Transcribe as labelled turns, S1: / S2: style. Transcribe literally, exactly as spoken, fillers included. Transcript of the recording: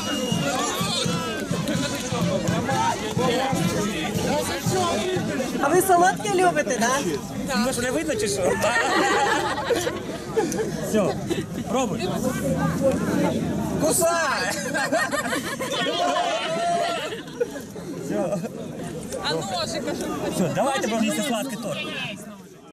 S1: А ви солодке любите, так?
S2: Да? Може не видно чи що? Все, пробуй. Кусай! Все.
S3: А ножик, а що?
S2: Все, давайте будемо їсти сладкий торт.